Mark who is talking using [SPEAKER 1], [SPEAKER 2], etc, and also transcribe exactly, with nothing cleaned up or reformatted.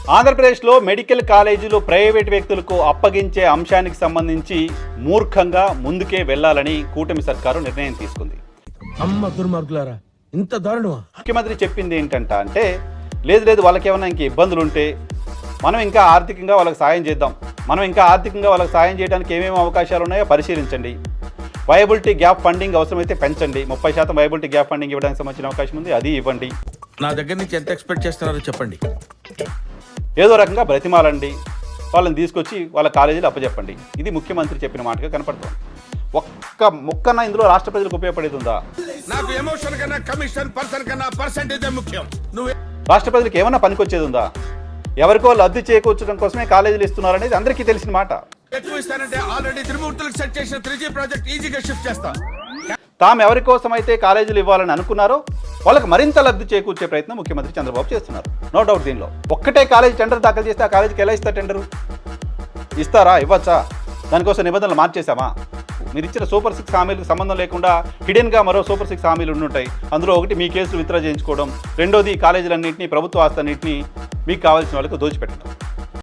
[SPEAKER 1] ఆంధ్రప్రదేశ్లో మెడికల్ కాలేజీలు ప్రైవేటు వ్యక్తులకు అప్పగించే అంశానికి సంబంధించి మూర్ఖంగా ముందుకే వెళ్లాలని కూటమి సర్కారు నిర్ణయం తీసుకుంది.
[SPEAKER 2] అమ్మ దుర్మార్గులారా, ఇంత దారుణమా?
[SPEAKER 1] ముఖ్యమంత్రి చెప్పింది ఏంటంట అంటే, లేదు లేదు వాళ్ళకి ఏమైనా ఇంక ఇబ్బందులు ఉంటే మనం ఇంకా ఆర్థికంగా వాళ్ళకి సాయం చేద్దాం, మనం ఇంకా ఆర్థికంగా వాళ్ళకి సాయం చేయడానికి ఏమేమి అవకాశాలు ఉన్నాయో పరిశీలించండి, వయబిలిటీ గ్యాప్ ఫండింగ్ అవసరమైతే పెంచండి, ముప్పై శాతం వయబిలిటీ గ్యాప్ ఫండింగ్ ఇవ్వడానికి సంబంధించిన అవకాశం ఉంది, అది ఇవ్వండి.
[SPEAKER 2] నా దగ్గర నుంచి ఎంత ఎక్స్పెక్ట్ చేస్తున్నారో చెప్పండి.
[SPEAKER 1] ఏదో రకంగా బ్రతిమాలండి, వాళ్ళని తీసుకొచ్చి వాళ్ళ కాలేజీలు అప్పచెప్పండి. ఇది ముఖ్యమంత్రి చెప్పిన మాటగా కనపడుతుంది. ఒక్క ముక్కన ఇందులో రాష్ట్ర ప్రజలకు ఉపయోగపడేది ఉందా?
[SPEAKER 2] నాకు ఎమోషన్ కన్నా కమిషన్ పర్సన్ కన్నా పర్సెంటేజ్ ముఖ్యం. నువ్వు
[SPEAKER 1] రాష్ట్ర ప్రజలకు ఏమన్నా పనికొచ్చేది ఉందా? ఎవరికో లబ్ధి చేకూర్చడం కోసమే కాలేజీలు ఇస్తున్నారనేది అందరికీ తెలిసిన మాట.
[SPEAKER 2] ఎక్కువ ఇస్తానంటే ఆల్రెడీ త్రిమూర్తులకు సెట్ చేసిన త్రీ జీ ప్రాజెక్ట్ ఈజీగా షిఫ్ట్ చేస్తా.
[SPEAKER 1] తాము ఎవరి కోసం అయితే కాలేజీలు ఇవ్వాలని అనుకున్నారో వాళ్ళకి మరింత లబ్ధి చేకూర్చే ప్రయత్నం ముఖ్యమంత్రి చంద్రబాబు చేస్తున్నారు. No doubt. దీనిలో ఒక్కటే కాలేజీ టెండర్ దాఖలు చేస్తే ఆ కాలేజీకి ఎలా ఇస్తారు? టెండరు ఇస్తారా? ఇవ్వచ్చా? దానికోసం నిబంధనలు మార్చేశామా? మీరు ఇచ్చిన సూపర్ సిక్స్ హామీలకు సంబంధం లేకుండా హిడెన్గా మరో సూపర్ సిక్స్ హామీలు ఉండుంటాయి. అందులో ఒకటి మీ కేసులు విత్డ్రా చేయించుకోవడం, రెండోది కాలేజీలన్నింటినీ, ప్రభుత్వ ఆస్తులన్నింటినీ మీకు కావాల్సిన వాళ్ళకి దోచిపెట్టడం.